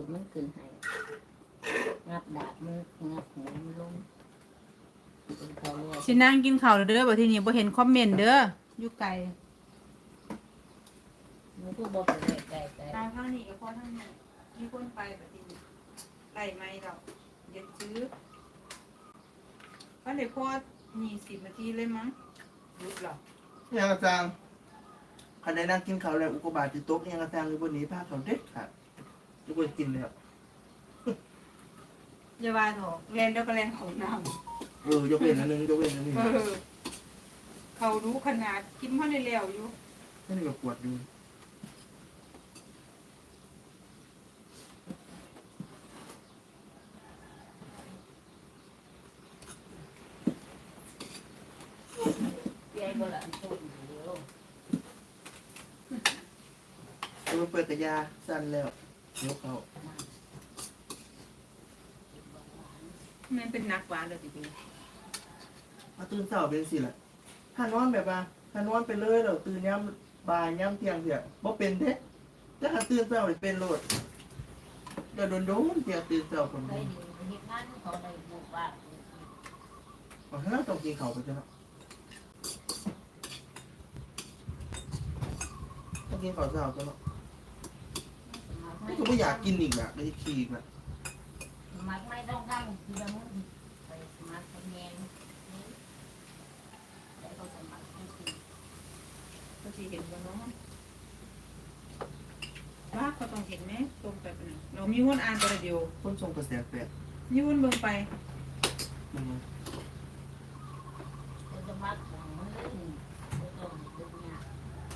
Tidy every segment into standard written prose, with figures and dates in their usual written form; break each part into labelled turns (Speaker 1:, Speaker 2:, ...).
Speaker 1: ดมันขึ้นให้งับดาบมันงับหัวมันลงเป็นเขาเรียก
Speaker 2: สินั่งกินข้าวเด้อบ่ทีนี้บ่เห็นคอมเมนต์เด้ออยู่ไกล
Speaker 1: มันก็บอกไปเลยไกล
Speaker 2: ทางข้างนี้กับพ่อทางนี้มีคนไปแบบนี้ไล่ไม่ดอกเดี๋ยวซื้อก็เลยพ่อมี10 นาทีเลยมั้งรุดหรอ
Speaker 3: ยังกระซังคันได้นั่งกินข้าวแล้วอุกกาบาตติดโต๊ะยังกระซังอยู่บนนี้ผ้าเขาเด็ดขาดทุกคนกินเลยครับ
Speaker 2: อย่าว่าเถอะแลนเดียวกับแลนของน้
Speaker 3: ยกเว้นอันนึงยกเว้นอันนี้
Speaker 2: ำเขารู้ขนาดกินพ่อในแล้วอยู่
Speaker 3: นี่ก็ปวดอยู่
Speaker 1: ๆยายบ่ละอันพูดเดียว
Speaker 3: ตัวเปิดกระยาสั้นแล้วยกเขา
Speaker 2: มันเป็นนักหวานเลยทีเดียว
Speaker 3: มาตื่นเช้าเป็นสิแหละถ้านอนแบบว่าถ้านอนไปเลยเราตื่นย้ำบ่ายย้ำเที่ยงเถี่ยบ่เป็นเด้ถ้าหาตื่นเช้าเลยเป็นโลดเดี๋ยวโดนเที่ยตื่นเช้าคน
Speaker 1: ได้
Speaker 3: เดียว
Speaker 1: ดีเฮ็ดงานเขาได้บุกบ้าน
Speaker 3: อ๋อถ้าต้องกินข้าวไปจ้ะเนาะต้องกินข้าวเช้าจ้ะเนาะก็ไม่อยากกินอีกอ่ะไม่ขี้อีกอ่ะ
Speaker 1: มักไม่ต้องดังคือละมุนไปสมัครแยงแต่ก็สมัครให้กิน
Speaker 2: ก็สิเห็นว่าน้องว่าเขาต้องเห็นไหมตรงไปปะเนี่ยเรามีวนอ่านตัวเดียว
Speaker 3: คนทรงกระแสแปลก
Speaker 2: มีวนเบิ่งไป
Speaker 3: มัน
Speaker 1: จะสมัครของมันเลยไม่ต้องดึงยาก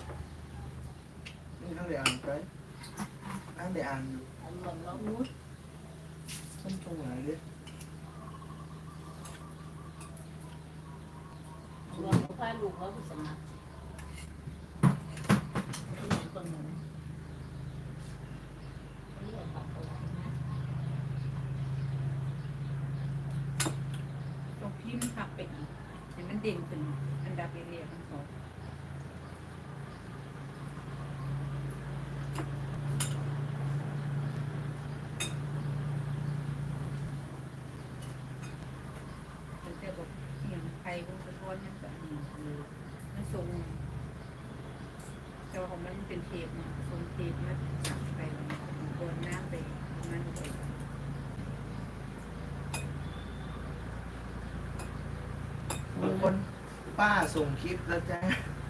Speaker 3: นี่ทั้งได้อ่านไปอ่านได้อ่านอยู่
Speaker 1: อันรวมเรา
Speaker 2: อู้
Speaker 3: คนทรงหลายเด้
Speaker 1: รวมพาลูกเราไปสมัครคนหนึ่งเรียกปากตัวนะ
Speaker 2: ตรงพี่มันขับไปอีกเห็นมันเด่นขึ้นอันดับเรียๆทั้งสองมันจะบอกเสียงใครบนสะท้อนนั่นแบบนี้มันทรงแต่ว่าของมันเป็นเทปเนี่ยทรงเทปมันสับไปโดนน้ำไปมันไป
Speaker 3: บางคนป้าส่งคลิปแล้วจ้า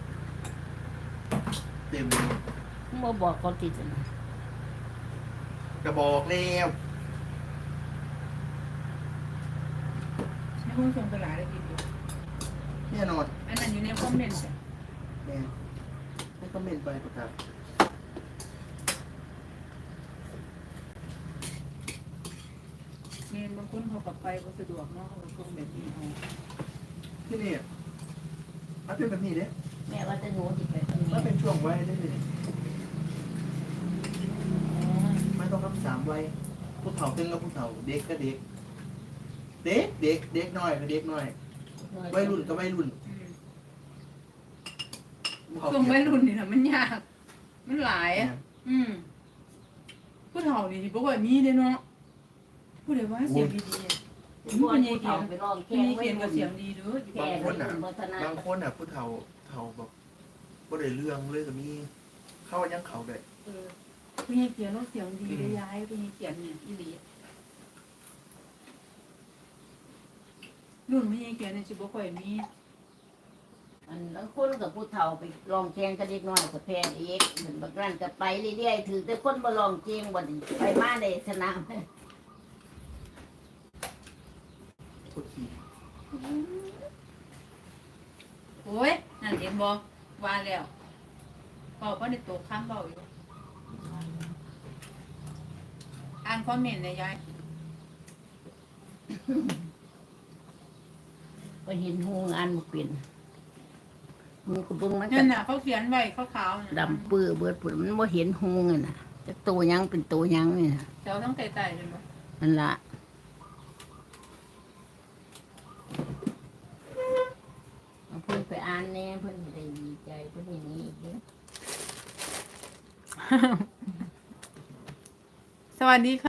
Speaker 3: เต็มเลย
Speaker 1: มาบอกเขาติดนะ
Speaker 3: กระบอกแล้ว
Speaker 2: ในห้องส่งตลาดเลยทีเดียว
Speaker 3: แน่นอน
Speaker 2: อันนั้นอยู่ในคอมเมนต์จ้ะ
Speaker 3: แน่ให้คอมเมนต์ไปประกาศ
Speaker 2: เมนบางคนเขากลับไปก็สะดวกเนาะเขาก็ส่งแบบนี้เอา
Speaker 3: ที่นี่มันเป็นแบบนี้เด้
Speaker 1: แม่ว่าจะหนูติดไปตรง
Speaker 3: มัน
Speaker 1: นี้
Speaker 3: เป็นช่วงวัยได้เลยไม่ต้องรับ3 วัยผู้เฒ่าตึงกับผู้เฒ่าเด็กก็เด็ก เด็กน้อยก็เด็กน้อยวัยรุ่นก็วัยรุ่น
Speaker 2: ส่งวัยรุ่นนี่นะมันยาก มันหลายอะผู้เฒ่านี่ที่บอกว่ามีเด้เนาะผู้ใดว่าเสียงดีๆอะ
Speaker 1: พวกนี้เขาไปลอง
Speaker 2: พี่
Speaker 1: แข่ง
Speaker 2: นี่
Speaker 1: ไว้
Speaker 2: เขียนกับเสียงดีเด้อ
Speaker 1: แข่งไว้ถึงวัฒนธร
Speaker 3: บาร ง
Speaker 1: ม
Speaker 3: คนผู้เฒ่าแบบบ่ได้เรื่องเลยก็มีเข้ายังเขาได้
Speaker 2: พี่นี่เขียนแล้วเสียงดีเลยย้ายพี่นี่เขียนเนี่ยอีหลีรุ่นพี่นี่เขียนเนี่ยสิบ่ค่อยมี
Speaker 1: อันแล้วคนกับผู้เฒ่าไปลองแข่งกับเด็กน้อยกับแพงเอกเหมือนบางร้านก็ไปเรื่อยๆถือแต่คนมาลองแข่งบ่ดีไปมาในสนาม
Speaker 3: กดขี่
Speaker 2: โอ้ยนั่นเห็นบ่ว่าแล้วเบาเพราะในตัวข้ามเบาอยู่อ่านคอมเมนต์เลยยาย
Speaker 1: ก็เห็นหูงานมันเป็นหูกระเบื้องมัน
Speaker 2: นั่
Speaker 1: ก็
Speaker 2: นน่ะเขาเขียนไว้ขาวๆน่ะ
Speaker 1: ดำเปื้อเบิดผุดมันบ่เห็นหูไงน่ะจะโตยังเป็นโตยังนี่น่ะ
Speaker 2: แถวทั้งไต่ๆเลยบ่
Speaker 1: นั่นล่ะเอาเพิ่นไปอ่านแน่เพิ่นสิได้ดีใจเพิ่นอย่างนี้อีกเด้อ
Speaker 2: สวัสดีค่ะ